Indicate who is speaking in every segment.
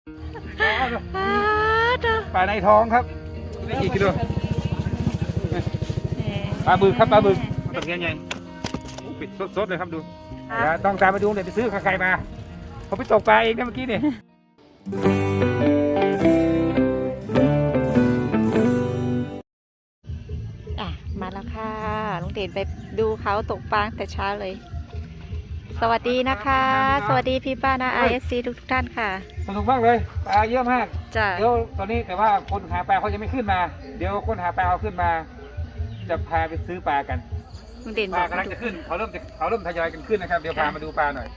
Speaker 1: ปลาในท้องครับได้กี่กิโลปลาบึกครับปลาบึกตะเกียงใหญ่ปิดสดๆเลยครับดูต้องตามไปดูเดี๋ยวไปซื้อใครมาเขาไปตกปลาเองนะเมื่อกี้เนี่ย
Speaker 2: มาแล้วค่ะลุงเด่นไปดูเขาตกปลาแต่เช้าเลยสวัสดีนะคะสวัสดีพี่ป้านะ IFC ทุกท่านค่ะ
Speaker 1: สนุกมากเลยปลาเยอะมาก
Speaker 2: จ้ะ
Speaker 1: เดี๋ยวตอนนี้แต่ว่าคนหาปลาเขายังไม่ขึ้นมาเดี๋ยวคนหาปลาเขาขึ้นมาจะพาไปซื้อปลากัน
Speaker 2: ลุงเด่น
Speaker 1: ปลากำลังจะขึ้นเขาเริ่มทยอยกันขึ้นนะครับเดี๋ยวพามาดูปลาหน่อย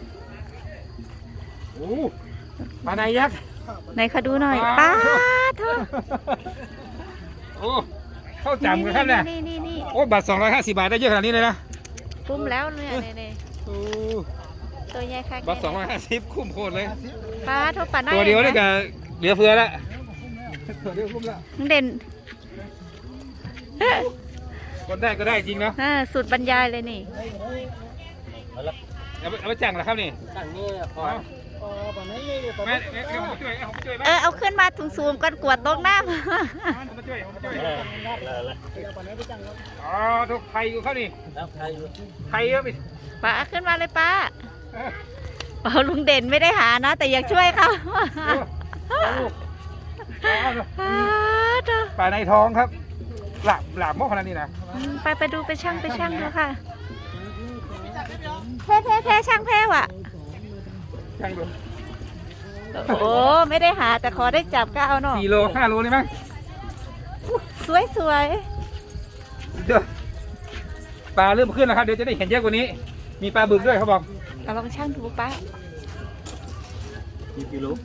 Speaker 1: โอ้ปลาในยักษ์
Speaker 2: ไหนขอดูหน่อยปลาเธอ
Speaker 1: โอ้เข้าจำกันครับเนี่ยโอ้บาท250 บาทได้เยอะขนาดนี้เลยนะ
Speaker 2: คุ้มแล้วเนี่ยตัวใหญ่ค่ะ
Speaker 1: บาท250คุ้มโคตรเลย
Speaker 2: ปลาทุกปลา
Speaker 1: ตัวเดียวนี่ก็เหลือเฟือแล้วตัวเดียวคุ้มแล้ว
Speaker 2: เด่น
Speaker 1: คนได้ก็ได้จริงเนาะ
Speaker 2: สุดบรรยายเลยนี่
Speaker 1: เอาไปจังเหรอครับนี่จังนี่พอ
Speaker 2: เอาขึ้นมาสูงๆก่อนกวดตกน้ำ
Speaker 1: อ๋อทุกไทยอยู่เขานี่ไทยเยอะไป
Speaker 2: ป้าขึ้นมาเลยป้าลุงเด่นไม่ได้หานะแต่อยากช่วยเขา
Speaker 1: ปลาในท้องครับหลาบมากขนาดนี้นะ
Speaker 2: ไปดูไปช่างดูค่ะแพ้ช่างแพ้ว่ะ
Speaker 1: ช่างดู
Speaker 2: โอ้ไม่ได้หาแต่ขอได้จับก็เอาหน่อย
Speaker 1: 4 โล 5 โลเลยมั้ง
Speaker 2: สวย
Speaker 1: เดี๋ยวปลาเริ่มขึ้นแล้วครับเดี๋ยวจะได้เห็นเยอะกว่านี้มีปลาบึกด้วยเขาบอก
Speaker 2: เราลองช่างดูป้า
Speaker 1: กี่โล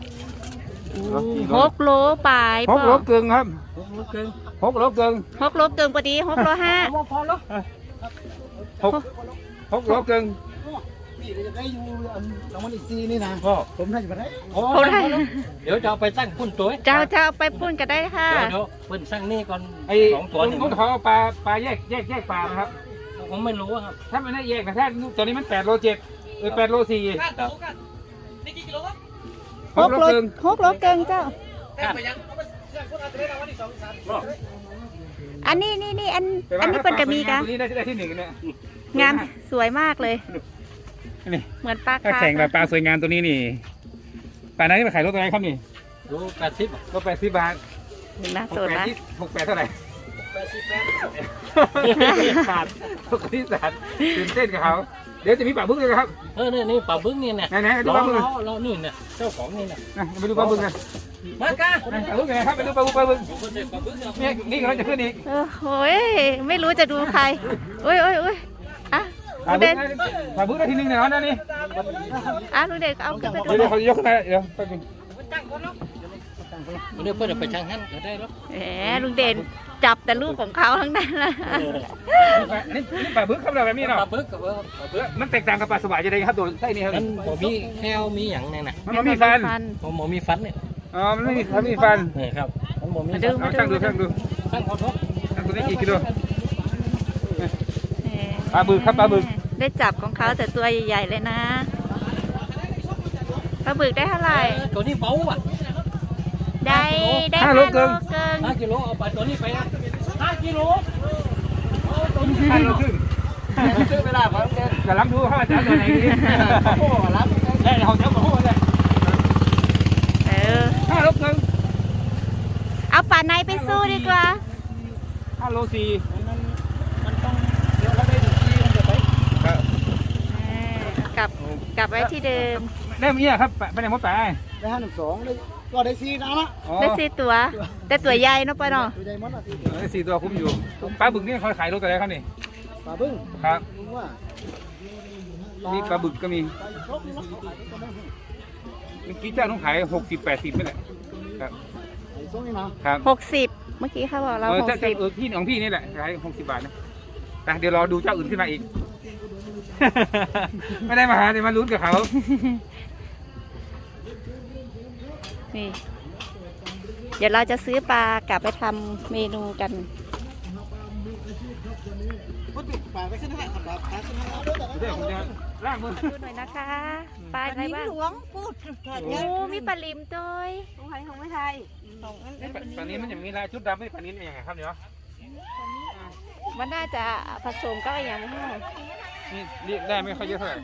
Speaker 2: 6 โลปลาย
Speaker 1: 6 โลเกินครับ6 โลเกิน
Speaker 2: 6 โลเกินพอดี6 โล 5
Speaker 1: พอแล้ว6 โลเกิน
Speaker 3: พี่จะได้อยู่รางวัลอีก4นี่นะผมได้อยู่ไหน
Speaker 4: เดี๋ยวจะเอาไปตั้งพุ่นตัว
Speaker 2: จะเอาไปพุ่นก็ได้ค่ะ
Speaker 4: เดี๋ยวเพิ่นสั่งนี่ก่อน
Speaker 1: 2 ตัวนี่เขาเอาปลาแยกปลานะครับ
Speaker 4: ผมไม่รู้ครับ
Speaker 1: ถ้ามันได้แยกนะถ้าตัวนี้มัน8 โล 7 8 โล 4
Speaker 4: นี่กี่กิโลครับ
Speaker 2: 6 โลเกินเจ้าอันนี้อันนี้เป็นกระมีกัน
Speaker 1: ได้ที่1เนี่ย
Speaker 2: งามสวยมากเลยเหมือนปลา
Speaker 1: แข่งแบบปลาสวยงามตัวนี้นี่ปลาไหนมาขายรถตัวไหนครับนี่
Speaker 4: โล80
Speaker 1: รถ80 บาท
Speaker 2: น่าสนนะ
Speaker 1: 68เท่าไหร่ขาดที่สารตื่นเต้นกับเขาเดี๋ยวจะมีปลาบึ้งเลยครับ
Speaker 4: นี่ปลาบึ้งนี่เนี่ย
Speaker 1: ไหนดูปลาบึ้ง
Speaker 4: เรานี่เนี่ยเจ้าของนี่เนี่ย
Speaker 1: ไปดูปลาบึ้งกัน
Speaker 4: มากะ
Speaker 1: ปลาบึ้งไงครับไปดูปลาบึ้งนี่กำลังจะขึ้นอีก
Speaker 2: โอ้ยไม่รู้จะดูใครโอ้ยอ่ะ
Speaker 1: ปลาบึ้งได้ที่1เนี่ยนะนี่
Speaker 2: ลุงเด่นเอาขึ้นไปดู
Speaker 1: เดี๋ยวเขายกขึ้นมาเดี๋ยวไป
Speaker 4: เดี๋ยวเพื่อนไปช่างหันก็ได้แล้ว
Speaker 2: ลุงเด่นจับแต่ลูกของเขาทั้งนั้นเลย
Speaker 1: นี่ปลาบึ้งเขาแบบนี้เนาะ
Speaker 4: ปลาบึ้งกับ
Speaker 1: มันแตกต่างกับปลาสวายจะได้ครับตัวไส้นี่ครับ
Speaker 4: มันมีแค่มีอย่างเนี่ยนะ
Speaker 1: มันมีฟัน
Speaker 4: ผมมีฟันเนี่ย
Speaker 1: มันไม่มีฟัน
Speaker 4: ครับมันมี
Speaker 1: ช่างดู
Speaker 4: ช่างขอโทษ
Speaker 1: ตัวนี้กี่กิโลปลาบึกครับปลาบึก
Speaker 2: ได้จับของเขาแต่ตัวใหญ่ๆเลยนะปลาบึกได้เท่าไหร่
Speaker 4: ตัวนี้เบาอ่ะ
Speaker 2: ได้
Speaker 1: 5 โลเกิน
Speaker 4: 5 กิโลเอาไปตัวนี้ไปนะ5 กิโล
Speaker 1: 5 โลครึ่งซื้อเวลาเขาจะรับดูเขาจะเอาตัวไหนดีโอ้รับได้เขาจะมาโอ้ได้5 โลเกิน
Speaker 2: เอาปลาในไปสู้ดีกว่า
Speaker 1: 5 โล 4
Speaker 3: มันต้องเดี๋ยวเราได้ดูที่มันจะไป
Speaker 2: กลับไว้ที่เดิม
Speaker 1: ได้เมียครับไปไหนหมดไป
Speaker 3: ได้512เลยก็ได้4นะ
Speaker 2: ได้4 ตัวแต่ตัวใหญ่เนาะป้าเนาะ
Speaker 3: ตัวใหญ่มาก
Speaker 1: ได้4 ตัวคุ้มอยู่ปลาบึกนี่เขาขายรถอะไรครับนี่
Speaker 3: ปลาบึ้ง
Speaker 1: ครับนี่ปลาบึกก็มีเมื่อกี้เจ้าต้องขาย60-80นี่แหละครับ
Speaker 2: 60เมื่อกี้เขาบอกเรา60
Speaker 1: พี่ของพี่นี่แหละขาย60 บาทนะแต่เดี๋ยวรอดูเจ้าอื่นขึ้นมาอีกไม่ได้มาหาเดี๋ยวมาลุ้นกับเขา
Speaker 2: นี่เดี๋ยวเราจะซื้อปลากลับไปทำเมนูกัน
Speaker 3: ปลาไปขึ้นให้ขับปลาขึ้นให้
Speaker 1: ล่างมือ
Speaker 2: ดูหน่อยนะคะปลาอะไรบ้าง
Speaker 5: หลวงพูด
Speaker 2: โอ้มีปลาลิมด้วย
Speaker 5: ของไทยของไม่ไทยของอัน
Speaker 1: ปลานี้มันอย่างนี้ลายชุดดำไม่ปลานี้เป็นยังไงครับเนี่ย
Speaker 2: มันน่าจะผสมก็อย่างนี้
Speaker 1: นี่เรียกได้ไม่ค่อยเยอะเท่าไหร่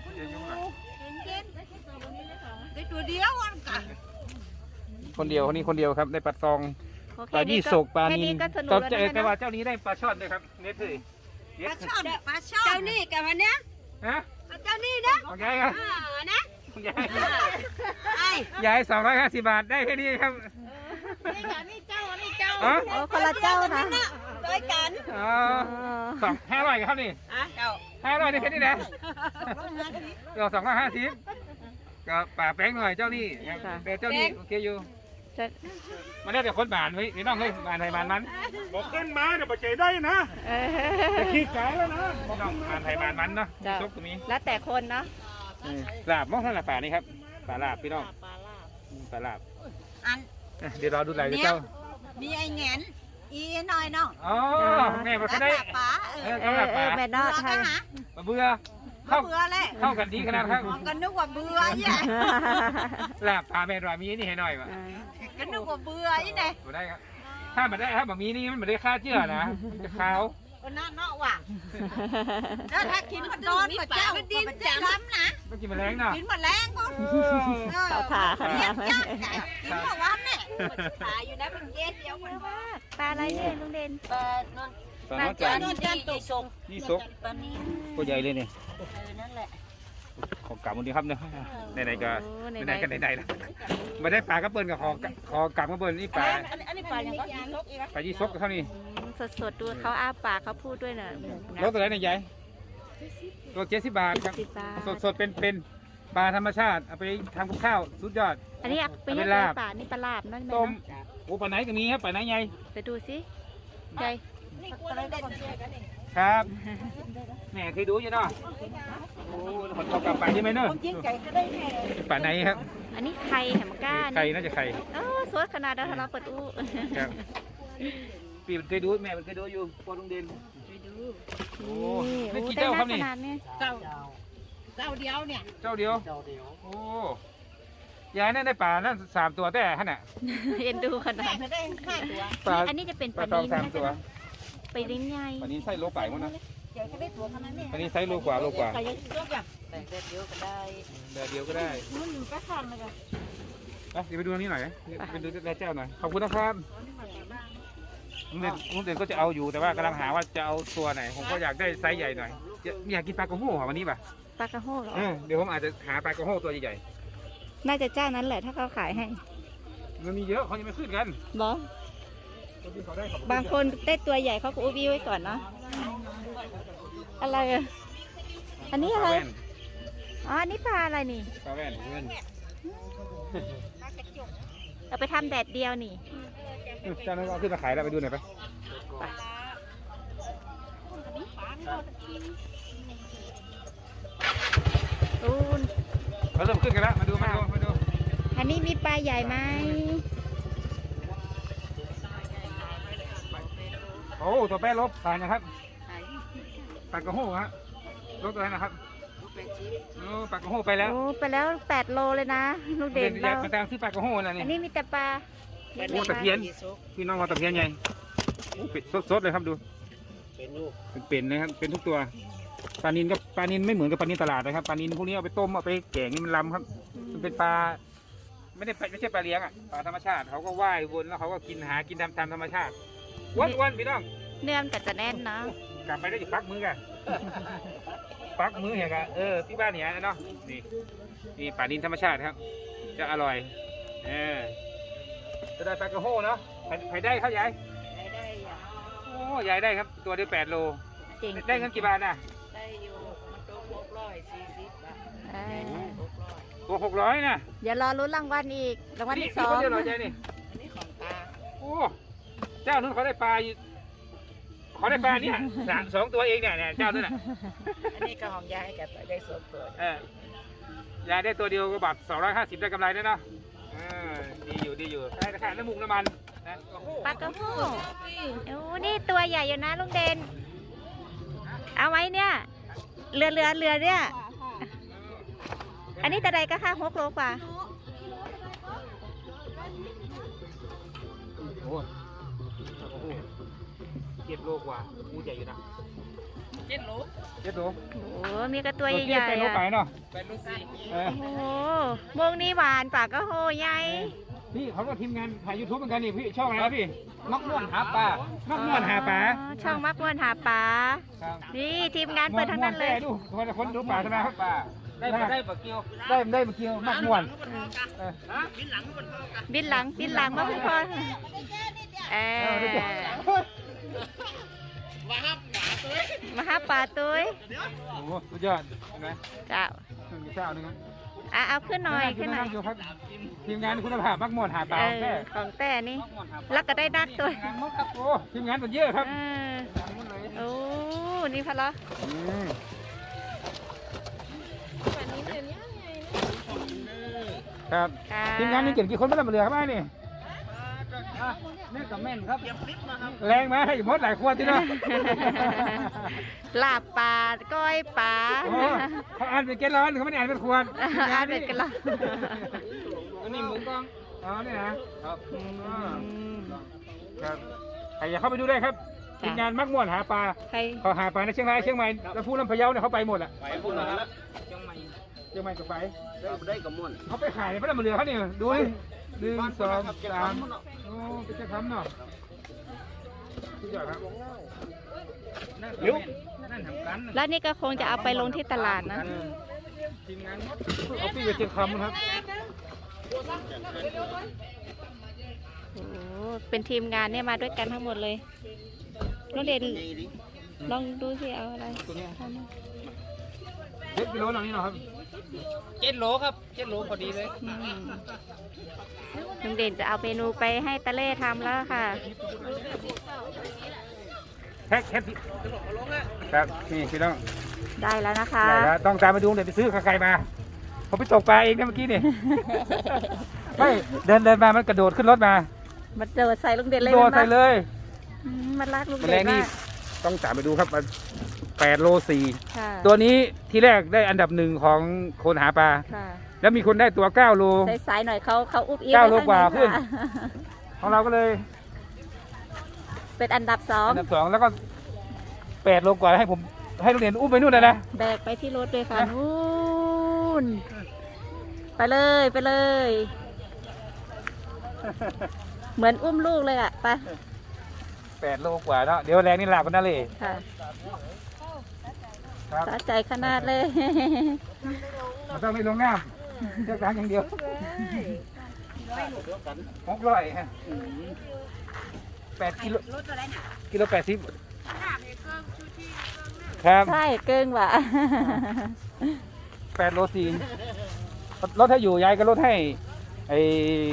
Speaker 5: ได้ตัวเดียวอ่ะกัน
Speaker 1: คนเดียวคนนี้คนเดียวครับได้ปลาซอง
Speaker 2: โอเค
Speaker 1: ปลายี่สกปลา
Speaker 2: แค่
Speaker 1: นิ
Speaker 2: นี้
Speaker 1: น
Speaker 2: ก็สนุก
Speaker 1: ตอน
Speaker 2: แล้ว
Speaker 1: เจอ
Speaker 2: นะ
Speaker 1: แต่ว่าเจ้านี้ได้ปลาช่อนด้วยครับเน็ตเลย
Speaker 5: ปลาช่อนปลาช่อนเจ้านี่กับมันเนี้ย
Speaker 1: ฮะ
Speaker 5: เจ้านี่นะ
Speaker 1: ของยายครับ
Speaker 5: นะ
Speaker 1: ของยาย
Speaker 5: ไอ้
Speaker 1: ยาย250 บาทได้แค่นี้ครับ
Speaker 5: นี่กับนี่เจ้านี่เจ้า
Speaker 1: อ๋อ
Speaker 2: โอ้คนละเจ้านะ
Speaker 5: ด้วยกัน
Speaker 1: อ๋อ500ครับนี่
Speaker 5: อ่ะเจ้า
Speaker 1: 500ได้แค่นี้นะเรา250ก็ป่าแป้งหน่อยเจ้านี่แต่เจ้านี่โอเคอยู่
Speaker 2: จะ
Speaker 1: มันได้แต่คนบานไว้นี่น้องเฮ้ยบานไทยบานมัน
Speaker 3: บอกขึ้นมาเดี๋ยวปัจจัยได้นะ
Speaker 2: เอ
Speaker 3: จะขี้ไก่แล้วนะ
Speaker 1: น้องบานไทยบานมันเนาะ
Speaker 2: จ้ะ
Speaker 1: ซกตรงนี้
Speaker 2: แล้วแต่คนเนาะ
Speaker 1: ลาบมองเท่าไหร่ป่านี่ครับป่าลาบพี่น้องป่าลาบ
Speaker 5: อัน
Speaker 1: เดี๋ยวรอดูไหลเดี๋ยวเจ้า
Speaker 5: มีไอ้แงนอีน้อยน้อง
Speaker 1: อ๋อแม่มันก็ได้
Speaker 5: ป๋า
Speaker 1: กำลับป่า
Speaker 2: แม่นอไทย
Speaker 1: เบื่อเข้า
Speaker 5: เบื่อเลย
Speaker 1: เข้ากันดีขนาดครับ
Speaker 5: ก็นึกว่าเบื่อยี่
Speaker 1: ลาบป่าแม่รอยมีนี่ให้หน่อยว่ะ
Speaker 5: ก็นึกว่าเบื่อยี่ไง
Speaker 1: บ่ได้ครับถ้ามันได้ครับแบบมีนี่มันไม่ได้ค่าเชื่อนะมันจะขาว
Speaker 5: ก็น่าเนาะว่ะแล้วถ้ากินมันนอนกับเจ้าดินจะทำนะ
Speaker 1: ต้องกินแมลงเนาะ
Speaker 5: กินแมลงก็
Speaker 2: เขาถาเขาถา
Speaker 5: กินเมื่อวานเนี่ยตายอยู่นะเป็นเย็นเดียวมัน
Speaker 2: ปลาอะไรเนี่ยลุงเด่น
Speaker 5: เปิดนน
Speaker 1: ตอนน้องจัน
Speaker 5: นนจันตุก
Speaker 1: นี่ซก
Speaker 5: ปนี้
Speaker 1: ตัวใหญ่เลยเนี่ย
Speaker 5: นั่นแหละ
Speaker 1: ของกลับมันดีครับเนาะไหนๆก็
Speaker 2: โอ้
Speaker 1: ไหนๆกันไหนๆนะไม่ได้ปลากระเปิลกับคอกลับกระเปิลนี่ปลา
Speaker 5: อันนี้ปลาอย่างก็ยีนกอีกนะ
Speaker 1: ปลายี่ซกเท่านี้
Speaker 2: สดๆดูเขาอ้าปากเขาพูดด้วยน่ะ
Speaker 1: รถตัวไหนเนี่ยยายตัว70 บาทครับ
Speaker 2: 70 บาท
Speaker 1: สดๆเป็นปลาธรรมชาติเอาไปทำกับข้าวสุดยอด
Speaker 2: อันนี้เป็น
Speaker 1: เอาไป
Speaker 2: ป
Speaker 1: ลา
Speaker 2: ลา
Speaker 1: บ
Speaker 2: ป่านี่ปลาลาบนั่นไหม
Speaker 1: ต้ม
Speaker 2: เนาะ
Speaker 1: โอ้ปลาไหนก็มีครับปลาไหนใหญ่
Speaker 2: ไปดูสิใหญ่
Speaker 5: นี่กลัวเราได้เจอกันนี่
Speaker 1: ครับแม่เคยดูอยู่เนาะโอ้คนเขากลับไปใช่ไหมเนาะ
Speaker 5: ผมกินไก่ก็ได้แน่
Speaker 1: ปลาไหนครับ
Speaker 2: อันนี้ไข่แหมก้า
Speaker 1: ไข่
Speaker 2: นี่
Speaker 1: น่าจะไข่
Speaker 2: โอ้สวยขนาดเราเราเปิดอู้
Speaker 1: ครับปีมันเคยดูแม่มันเคยดูอยู่ปอลุงเด่นโอ้นี่กี่
Speaker 2: ได้
Speaker 1: เจ้าครับ
Speaker 2: ข
Speaker 1: นี่
Speaker 2: นาดนี้
Speaker 5: เจ้าเดียวเนี่ย
Speaker 1: เจ้าเดียวโอ้ยายนั่นได้ปลานั่น3 ตัวแต่ฮะน่ะ
Speaker 2: เอ็นดูขนา
Speaker 5: แม่
Speaker 2: ด
Speaker 5: ก็ได้5ตัว
Speaker 1: ปลา
Speaker 2: อันนี้จะเป็น
Speaker 1: ป
Speaker 2: ป
Speaker 1: ลา
Speaker 2: ลา
Speaker 1: ตอง
Speaker 2: นิล
Speaker 1: 3 ตัว
Speaker 2: ไปลิ้นใหญ่
Speaker 1: ปลานี้ไส้โลป่ายมั้งนะ
Speaker 5: เดี๋ยวก็ได้ตัวขนาดนี้
Speaker 1: ปลานี้ไส้โลกว่า
Speaker 5: ไก่ยังยกอย่างแต่เดียวก็ได้
Speaker 1: แต่เดียวก็ได้
Speaker 5: มันก็ทำเลยกัน
Speaker 1: เดี๋ยวไปดูอันนี้หน่อยไปดูแลเจ้าหน่อยขอบคุณนะครับลุงเด่นก็จะเอาอยู่แต่ว่ากำลังหาว่าจะเอาตัวไหนผมก็อยากได้ไซส์ใหญ่หน่อยอยากกินปลากระโห้วันนี้ป่ะ
Speaker 2: ปลากระโห้เหรอ
Speaker 1: เดี๋ยวผมอาจจะหาปลากระโห้ตัวใหญ่
Speaker 2: น่าจะเจ้านั้นแหละถ้าเขาขายให้
Speaker 1: ๆมันมีเยอะเขายังไม่ขึ้นกัน
Speaker 2: บอ
Speaker 1: คนที่เขาได้ขอบคุณ
Speaker 2: บางคนได้ตัวใหญ่เขาก็อุบีไว้ก่อนเนาะอะไรอ่ะอันนี้อะไร
Speaker 1: ปลาแว่น
Speaker 2: อ๋ออันนี้ปลาอะไรนี่
Speaker 1: ปลาแว่นเงิน
Speaker 2: เอาไปทำแดดเดียวนี่
Speaker 1: เจ้านั้นเอาขึ้นมาขายแล้วไปดูหน่อยไป
Speaker 2: อูน
Speaker 1: เขาเริ่มขึ้นกันแล้วมาดู
Speaker 2: อันนี้มีปลาใหญ่ไหม
Speaker 1: โอ้ตัวแป้ลบผ่านนะครับปลากระโห้ฮะลบตัวไหนนะครับโอ้ปลากระโห้ไปแล้ว
Speaker 2: โอ้ไปแล้ว8 โลเลยนะลูกเด่น
Speaker 1: อยา
Speaker 2: เรา
Speaker 1: กมาตามซื้อปลากระโห้นะนี่
Speaker 2: อันนี้มีแต่ปลา
Speaker 1: โอ้ตะเพียนพี่น้องเอาตะเพียนใหญ่โอ้เป็ดสดๆเลยครับดู
Speaker 3: เป็นลูก
Speaker 1: เป็นนะครับเป็นทุกตัวปลานินก็ปลานินไม่เหมือนกับปลานินตลาดนะครับปลานินพวกนี้เอาไปต้มเอาไปแกงนี่มันลำครับมันเป็นปลาไม่ใช่ปลาเลี้ยงอ่ะปลาธรรมชาติเขาก็ว่ายวนแล้วเขาก็กินหากินตามธรรมชาติวันพี่น้อง
Speaker 2: เนื้อมันก็จะแน่นเนาะ
Speaker 1: กลับไปได้อยู่ปักมือกันปักมือเหี้ยกันที่บ้านเนี่ยเนาะนี่ปลานินธรรมชาติครับ จะอร่อยจะได้ปลากระโห้เนาะใครได้เขายาย
Speaker 5: ได้อย่าง
Speaker 1: โอ้ยายได้ครับตัวเดียว8 โล
Speaker 2: จริง
Speaker 1: ได้เงินกี่บาทน่ะ
Speaker 5: ได้อยู่มันตัว640 บาท
Speaker 2: เออ
Speaker 1: ตัว600น่ะ
Speaker 2: เดี๋ยวรอลุ้นรางวัลอีกรางวัลที่สอง
Speaker 1: คนเดียวเหรอยายนี่
Speaker 5: อันนี้ของตา
Speaker 1: โอ้เจ้านู้นเขาได้ปลาอยู่เขาได้ปลาเนี่ย2 ตัวเองเนี่ยเจ้านู้นน่ะ
Speaker 5: อันนี้ก็ของยายกับได้ส่วนตัว
Speaker 1: ยายได้ตัวเดียวก็บาท250ได้กำไรแล้วเนาะดีอยู่ได้ราคาน้ำมุกน้ำมันนะ
Speaker 2: ปลากระโห้โอ้นี่ตัวใหญ่อยู่นะลุงเด่นเอาไว้เนี่ยเรือเนี่ยอันนี้แต่ใดก็ค่ะ6 โลกว่า
Speaker 1: โอ้โห7 โลกว่าอู้ใหญ่อยู่นะ
Speaker 4: 7 โล
Speaker 1: 7 โล
Speaker 2: โอ้มีกระตัวใหญ่
Speaker 1: ไป
Speaker 2: ๆ
Speaker 1: โล
Speaker 2: อ่ะ
Speaker 1: ไปเนาะ
Speaker 4: 8 โล
Speaker 1: เออ
Speaker 2: โอ้โมงนี้หวานปากก็โหใหญ่
Speaker 1: พี่เขาก็ทีมงานถ่ายยูทูบเหมือนกันนี่พี่ช่องอะไรครับพี่
Speaker 4: มักม่วนหาปลา
Speaker 1: มักม่วนหาปลา
Speaker 2: อ๋อช่องมักม่วนหาปลา
Speaker 1: ครับ
Speaker 2: นี่ทีมงานเปิดทั้งนั้นเลย
Speaker 1: ดูคนดูปลาธนาครับ
Speaker 4: ปลาได้ปลาเกี่ยว
Speaker 1: ได้มาเกี่ยวมักม่วนเออ
Speaker 2: บินหลังมาพี่พรเออมาหาปลาตุ้ย
Speaker 1: โอ้โหสุดยอดเห็นไหม
Speaker 2: เจ้า
Speaker 1: มีเจ้าหนึง
Speaker 2: เอาขึ้นหน่อยขึ้นหน่อย
Speaker 1: ดูครับทีมงานคุณภาพมักม่วนหาปลา
Speaker 2: เออของแต่นี่แล้วก็ได้นักตัว
Speaker 1: ทีมงานมดครับโอ้ทีมงานตัวเยอะครับ
Speaker 2: เออโอ้นี่พะเหรอ
Speaker 1: ครับ
Speaker 2: ค่ะ
Speaker 1: ทีมงานนี่เก่งกี่คนไม่ได้มาเหลือครับไอ้นี่
Speaker 4: แม่กับแม่นครับ
Speaker 1: แรงไหมให้มดหลายขวดจีเนาะ
Speaker 2: ลาบปลาก้อยปลา
Speaker 1: โอ้เขาอ่านเป็นแกลลอนเขาไม่ได้อ่านเป็นขวด
Speaker 2: อาเด็ดกันละ
Speaker 4: อันนี้หมูกล้อง
Speaker 1: อ๋อนี่นะครับ
Speaker 2: อืม
Speaker 1: ครับใครอยากเข้าไปดูได้ครับทีมงานมักม่วนหาปลา
Speaker 2: ใคร
Speaker 1: เขาหาปลาในเชียงรายเชียงใหม่แล้วพูดลำพะเยาเนี่ยเขาไปหมดอ่ะ
Speaker 4: ไปพุ่นแล้วเชียงใหม่
Speaker 1: เชียงใหม่กับไป
Speaker 4: ได้กับม่วน
Speaker 1: เขาไปขายไม่ได้มาเหลือเขาเนี่ยดูดิ1 2 3โอ้เป็นจะทำเนาะสุดยอดครับ
Speaker 4: เดี๋ยวนั่นทำกัน
Speaker 2: แล้วนี่ก็คงจะเอาไปลงที่ตลาดนะ
Speaker 1: ทีมงานเอาปีไปเชียงคำครับ
Speaker 2: โอ้เป็นทีมงานเนี่ยมาด้วยกันทั้งหมดเลยน้องเด่นลองดูสิเอาอะไร
Speaker 1: ตัวเนี้ย
Speaker 2: ทำมา
Speaker 1: 7 กิโลหน่อยนี่เนาะครับ
Speaker 4: 7 โลครับ 7 โลพอดีเลย
Speaker 2: อืมน้องเด่นจะเอาเมนูไปให้ตะเล่ทำแล้วค่ะ
Speaker 1: แค่ครับนี่พี่น้อง
Speaker 2: ได้แล้วนะคะ
Speaker 1: ได้แล้วต้องตามมาดูเดี๋ยวไปซื้อไข่มาผมไปตกปลาเองนะเมื่อกี้นี่ ไม่เดินมามันกระโดดขึ้นรถมา
Speaker 2: มันโดดใส่ลุงเด่นเลย
Speaker 1: โดดใส่เลย
Speaker 2: มันลากลุง
Speaker 1: แมล
Speaker 2: เด่
Speaker 1: ง
Speaker 2: น
Speaker 1: นี่
Speaker 2: มาก
Speaker 1: ต้องตามไปดูครับ8 โล
Speaker 2: ค่ะ
Speaker 1: 4ตัวนี้ที่แรกได้อันดับ1ของคนหาปลา
Speaker 2: ค่ะ
Speaker 1: แล้วมีคนได้ตัว9 โล
Speaker 2: สายๆหน่อยเขาอุบอิ๊
Speaker 1: 9 โลกว่า
Speaker 2: ไข้งใน
Speaker 1: ขึ้น
Speaker 2: ค่ะ
Speaker 1: ของเราก็เลย
Speaker 2: เป็นอันดับ
Speaker 1: อันดับ2แล้วก็8 โลกว่าให้ผมให้โรงเรียนอุ้มไปนู่นเลยนะ
Speaker 2: 2แบกไปที่รถเลยค่ะ
Speaker 1: นะ
Speaker 2: นู่นไปเลย เหมือนอุ้มลูกเลยอ่ะไป
Speaker 1: 8 โลกว่าเนาะเดี๋ยวแรงนี่หลับกันนะเลย
Speaker 2: ค่ะ
Speaker 1: ครับ
Speaker 2: สะใจขนาดเลย
Speaker 1: มันต้องไม่ลงน้ำเลือกทางอย่างเดียว600ฮะ8 กิโลกิโล80ครับ
Speaker 2: ใช่เกิงว่ะ
Speaker 1: 8 โล 4ลดให้อยู่ยายก็ลดให้ไอ้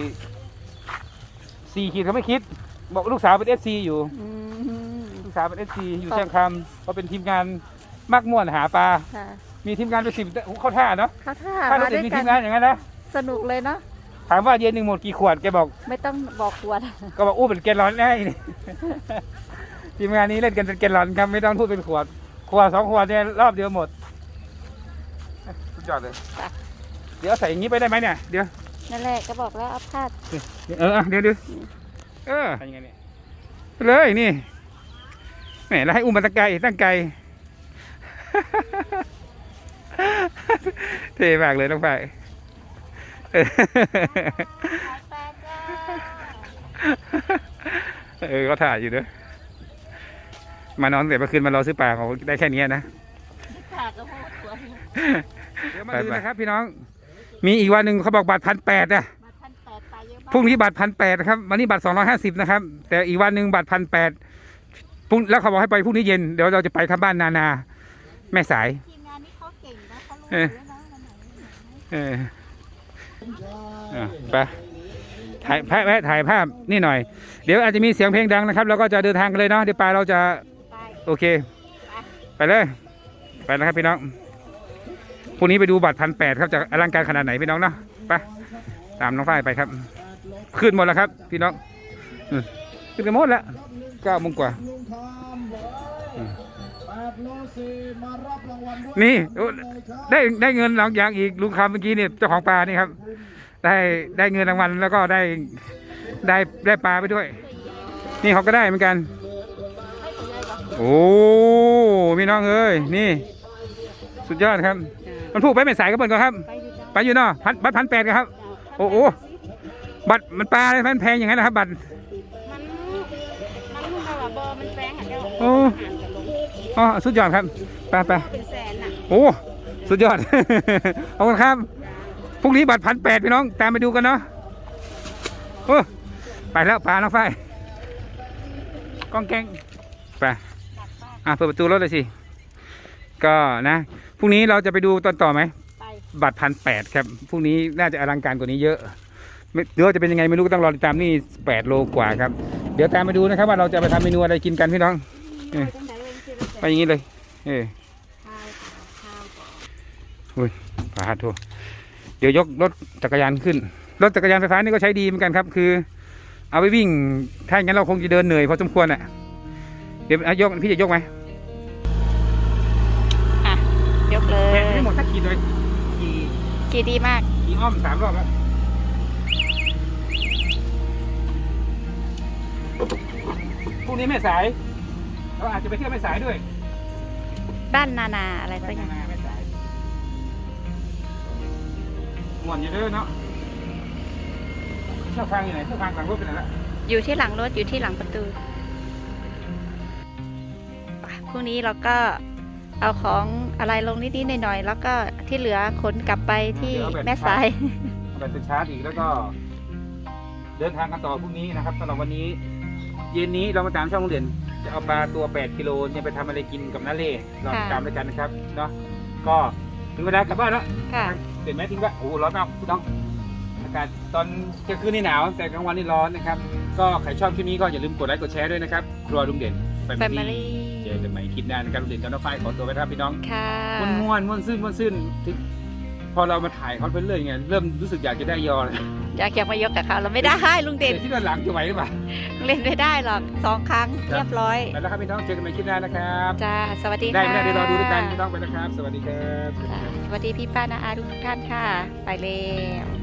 Speaker 1: 4 ขีดเขาไม่คิด บอกลูกสาวเป็น FC อยู่
Speaker 2: อืม
Speaker 1: ลูกสาวเป็น FC อยู่เชียงคำเขาเป็นทีมงานมักม่วนหาปลา
Speaker 2: ค่ะ
Speaker 1: มีทีมงานเป็น10เข้าท่าเนาะ
Speaker 2: เขาท่า
Speaker 1: ถ้าเรา
Speaker 2: มา
Speaker 1: จะ
Speaker 2: ด้วย
Speaker 1: มี
Speaker 2: กั
Speaker 1: ที
Speaker 2: น
Speaker 1: มงานอย่างนั้นนะ
Speaker 2: สนุกเลยเนาะ
Speaker 1: ถามว่าเย็นหนึ่งหมดกี่ขวดแกบอก
Speaker 2: ไม่ต้องบอกขวด
Speaker 1: ก็บอกอู้เป็นแกลลอนได้นี่ ทีมงานนี้เล่นกันเป็นแกลลอนครับไม่ต้องพูดเป็นขวด2 ขวดเนี่ยรอบเดียวหมดสุดยอดเลยเดี๋ยวใส่อย่างนี้ไปได้ไหมเนี่ยเดี๋ยว
Speaker 2: นั่นแหละก็บอกแล้วเอาผ้า
Speaker 1: เดี๋ยวยังไงเนี่ยเลยนี่แหมแล้วให้อุ้มมาตั้งไกล เท่มากเลยน้องฝ่ายเขาถ่ายอยู่ด้วยมานอนแต่เมื่อคืนมารอซื้อปลาเขาได้แค่นี้นะ
Speaker 2: ผ้าก็พูดขวด
Speaker 1: เดี๋ยวมาดูนะครับพี่น้อง มีอีกวันหนึ่งเขาบอกบัตร1,800นะ
Speaker 2: มาพันแปดไปเยอะมาก
Speaker 1: พรุ่งนี้บัตร1,800นะครับวันนี้บัตร250นะครับแต่อีกวันหนึ่งบัตร1,800พรุ่งแล้วเขาบอกให้ไปพรุ่งนี้เย็นเดี๋ยวเราจะไปครับบ้านนาแม่สาย
Speaker 2: ทีมงานนี้เขาเก่งนะเขารู้อยู่แล้วนะวันไหน
Speaker 1: ไปถ่ายภาพนี่หน่อย เดี๋ยวอาจจะมีเสียงเพลงดังนะครับเราก็จะเดินทางกันเลยเนาะเดี๋ยวปลาเราจะ
Speaker 2: ไป
Speaker 1: โอเค ไปเลยไปแล้วครับพี่น้องพรุ่งนี้ไปดูบัตร1,800ครับจะอลังการขนาดไหนพี่น้องเนาะไปตามน้องฝ้ายไปครับขึ้นหมดแล้วครับพี่น้องขึ้นกันหมดแล้ว9 โมงกว่า
Speaker 3: ลุงทอมบอก8 โลซีมารับรางวัลด้วย
Speaker 1: นี่ได้เงินหลังอย่างอีกลุงคำเมื่อกี้เนี่ยเจ้าของปลานี่ครับได้เงินรางวัลแล้วก็ได้ปลาไปด้วย นี่เขาก็ได้เหมือนกันโอ้พี่น้องเอ้ยนี่สุดยอดครับมันพูดไปไม่สายก็เปิดก่อนครับไปอยู่เนาะบัตร1,800ครับโอ้โหบัตรมันปลาอะไรมันแพงอย่างนั้นนะครับบัตร
Speaker 5: มันแบบว่าบอมันแพงอ่ะเจ้า
Speaker 1: โอ้อ๋อสุดยอดครับไป
Speaker 5: เป็นแสนอ่ะ
Speaker 1: โอ้สุดยอด ขอบคุณครับพรุ่งนี้บัตร1,800พี่น้องตามไปดูกันเนาะโอ้ไปแล้วปลาน้องฝ้ายก้องแกงไปเปิดประตูรถเลยสิก็นะพรุ่งนี้เราจะไปดูตอนต่อไหม
Speaker 5: ไป
Speaker 1: บัตร1,800ครับพรุ่งนี้น่าจะอลังการกว่านี้เยอะเดี๋ยวจะเป็นยังไงไม่รู้ก็ต้องรอติดตามนี่8 โลกว่าครับเดี๋ยวตามไปดูนะครับว่าเราจะไปทำเมนูอะไรกินกันพี่น้องไปอย่างนี้เลยอุ้ยปาดโถเดี๋ยวยกรถจักรยานขึ้นรถจักรยานไฟฟ้านี่ก็ใช้ดีเหมือนกันครับคือเอาไปวิ่งถ้าอย่างนั้นเราคงจะเดินเหนื่อยพอสมควรอ่ะเดี๋ยวยกพี่จะยกไหม
Speaker 2: ยกเลย
Speaker 1: แบตไม่หมดสักขีดเลย
Speaker 2: ขี่ดีมาก
Speaker 1: ขี่อ้อม3 รอบแล้วพรุ่งนี้ไม่สายเราอาจจะไปเที่ยวไม่สายด้วย
Speaker 2: บ้านนาอะไรสักอย่าง
Speaker 1: ไม่สายหมวนอยู่เด้อเนาะเชือกฟางอยู่ไหนเชือกฟางหลังรถไปไหนละ
Speaker 2: อยู่ที่หลังรถอยู่ที่หลังประตูพรุ่งนี้เราก็เอาของอะไรลงนิดๆหน่อยๆแล้วก็ที่เหลือขนกลับไปที่แม่สาย
Speaker 1: เอาไปชาร์จอีกแล้วก็เดินทางกันต่อพรุ่งนี้นะครับสำหรับวันนี้เย็นนี้เรามาตามช่องโรงเรียนจะเอาปลาตัว8 กิโลเนี่ยไปทำอะไรกินกับน้าเล่เราติดตามด้วยกันนะครับเนาะก็ถึงเวลากลับบ้านแล้ว
Speaker 2: ค่ะ
Speaker 1: เห็นไหมทิ้งว่าโอ้ร้อนมากพี่น้องอากาศตอนกลางคืนนี่หนาวแต่กลางวันนี่ร้อนนะครับก็ใครชอบคลิปนี้ก็อย่าลืมกดไลค์กดแชร์ด้วยนะครับครัวลุงเด่น
Speaker 2: Family
Speaker 1: เจอกันใหม่คลิปหน้านะครับลุงเด่นกับน้องฝ้ายขอตัวไปครับพี่น้อง
Speaker 2: ค่ะ
Speaker 1: ม้วนซื่นถึงพอเรามาถ่ายเขาเป็นเรื่อยไงเริ่มรู้สึกอยากจะได้ยอเลย
Speaker 2: อยากมายกกับเขาเราไม่ได้ลุงเด่น
Speaker 1: ที่ด้านหลังจะไหวหรือเปล่า
Speaker 2: เล่นไม่ได้หรอก2 ครั้งเรียบร้อย
Speaker 1: ไปแล้วครับพี่น้องเจอกันใหม่คลิปหน้านะครับ
Speaker 2: จ้าสวัสดี
Speaker 1: ได้
Speaker 2: ค่ะ
Speaker 1: ไม่ได้เดี๋ยวรอดูด้วยกันพี่น้องไปนะครับ สวัสดีครับ
Speaker 2: จ้าสวัสดีพี่ป้านาอาทุกท่านค่ะ ไปแล้ว